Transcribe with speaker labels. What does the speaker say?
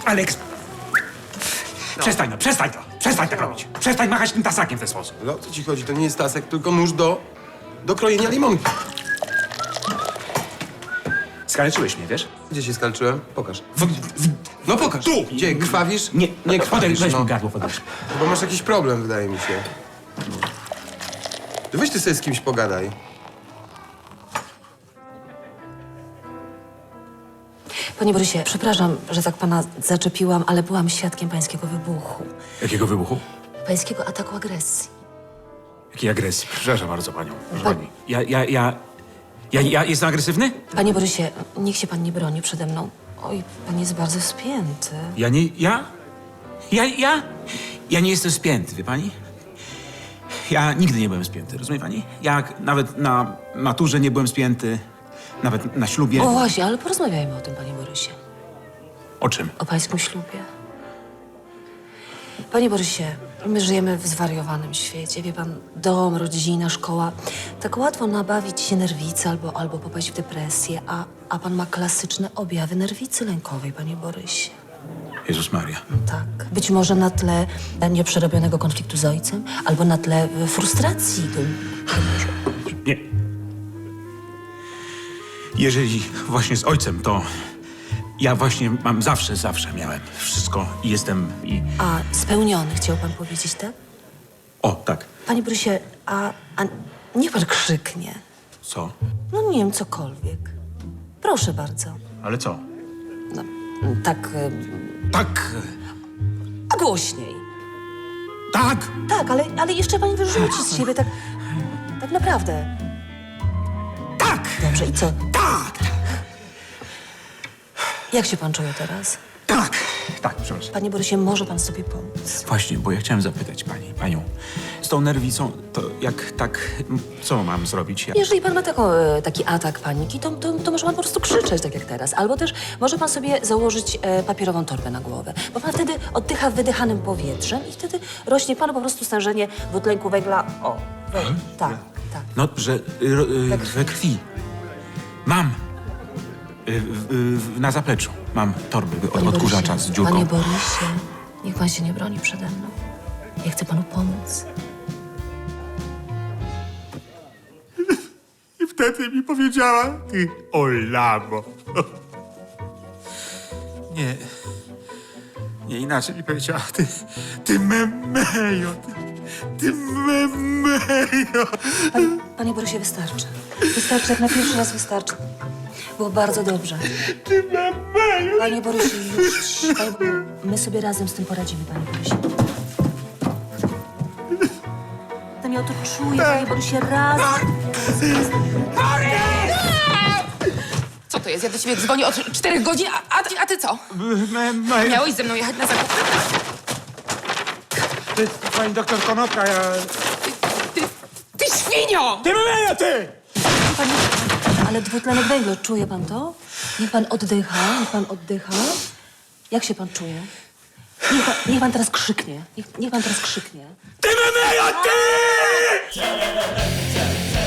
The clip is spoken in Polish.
Speaker 1: Aleks! Przestań no, przestań to! Przestań tak robić! Przestań machać tym tasakiem w ten sposób.
Speaker 2: Ale o co ci chodzi? To nie jest tasek, tylko nóż do krojenia limonki.
Speaker 1: Skaleczyłeś mnie, wiesz?
Speaker 2: Gdzie się skalczyłem? Pokaż.
Speaker 1: W...
Speaker 2: No pokaż.
Speaker 1: Tu!
Speaker 2: Gdzie? Krwawisz?
Speaker 1: Nie,
Speaker 2: nie krwawisz,
Speaker 1: weź
Speaker 2: no.
Speaker 1: mi gardło, podejdź.
Speaker 2: Chyba masz jakiś problem, wydaje mi się. Weź ty sobie z kimś pogadaj.
Speaker 3: Panie Borysie, przepraszam, że tak pana zaczepiłam, ale byłam świadkiem pańskiego wybuchu.
Speaker 1: Jakiego wybuchu?
Speaker 3: Pańskiego ataku agresji.
Speaker 1: Jakiej agresji? Przepraszam bardzo panią. Proszę pani. Ja jestem agresywny?
Speaker 3: Panie Borysie, niech się pan nie broni przede mną. Oj, pan jest bardzo spięty.
Speaker 1: Ja nie jestem spięty, wie pani? Ja nigdy nie byłem spięty, rozumie pani? Ja nawet na maturze nie byłem spięty, nawet na ślubie.
Speaker 3: O właśnie, ale porozmawiajmy o tym, panie Borysie.
Speaker 1: O czym?
Speaker 3: O pańskim ślubie. Panie Borysie, my żyjemy w zwariowanym świecie. Wie pan, dom, rodzina, szkoła. Tak łatwo nabawić się nerwicy albo popaść w depresję, a pan ma klasyczne objawy nerwicy lękowej, panie Borysie.
Speaker 1: Jezus Maria.
Speaker 3: Tak. Być może na tle nieprzerobionego konfliktu z ojcem, albo na tle frustracji.
Speaker 1: Nie. Jeżeli właśnie z ojcem, to ja właśnie mam zawsze miałem wszystko i jestem i...
Speaker 3: A spełniony, chciał pan powiedzieć, tak?
Speaker 1: O, tak.
Speaker 3: Panie Borysie, a niech pan krzyknie.
Speaker 1: Co?
Speaker 3: No nie wiem, cokolwiek. Proszę bardzo.
Speaker 1: Ale co?
Speaker 3: No, tak,
Speaker 1: Tak,
Speaker 3: a głośniej.
Speaker 1: tak.
Speaker 3: Tak, ale jeszcze pani wyrzuci z siebie, tak naprawdę.
Speaker 1: Tak!
Speaker 3: Dobrze, i co?
Speaker 1: Tak!
Speaker 3: Jak się pan czuje teraz?
Speaker 1: Tak, przepraszam.
Speaker 3: Panie Borysie, może pan sobie pomóc?
Speaker 1: Właśnie, bo ja chciałem zapytać panią, z tą nerwicą, to jak tak, co mam zrobić?
Speaker 3: Jeżeli pan ma taki atak paniki, to może pan po prostu krzyczeć, tak jak teraz. Albo też może pan sobie założyć papierową torbę na głowę, bo pan wtedy oddycha wydychanym powietrzem i wtedy rośnie panu po prostu stężenie dwutlenku węgla. O, tak.
Speaker 1: No, że we krwi. Mam. Na zapleczu mam torby od odkurzacza z dziurką.
Speaker 3: Panie Borysie, niech pan się nie broni przede mną. Ja chcę panu pomóc.
Speaker 4: I wtedy mi powiedziała, ty Olamo. Nie inaczej mi powiedziała, ty memejo, ty memejo.
Speaker 3: Panie Borysie, wystarczy. Wystarczy, jak na pierwszy raz wystarczy. Było bardzo dobrze.
Speaker 4: Ty memejo.
Speaker 3: Panie Borysie, już. My sobie razem z tym poradzimy, panie Borysie. Ja to czuję, panie Borysie, razem.
Speaker 5: Co to jest? Ja do ciebie dzwonię od 4 godzin, a ty co? Miałeś ze mną jechać na zakupy?
Speaker 1: Pani doktor Konopka,
Speaker 5: Ty świnio!
Speaker 1: Ty memejo, ty!
Speaker 3: Panie, ale dwutlenek węgla, czuje pan to? Niech pan oddycha, Jak się pan czuje? Niech pan teraz krzyknie. Niech pan teraz krzyknie.
Speaker 1: Ty memejo, ty!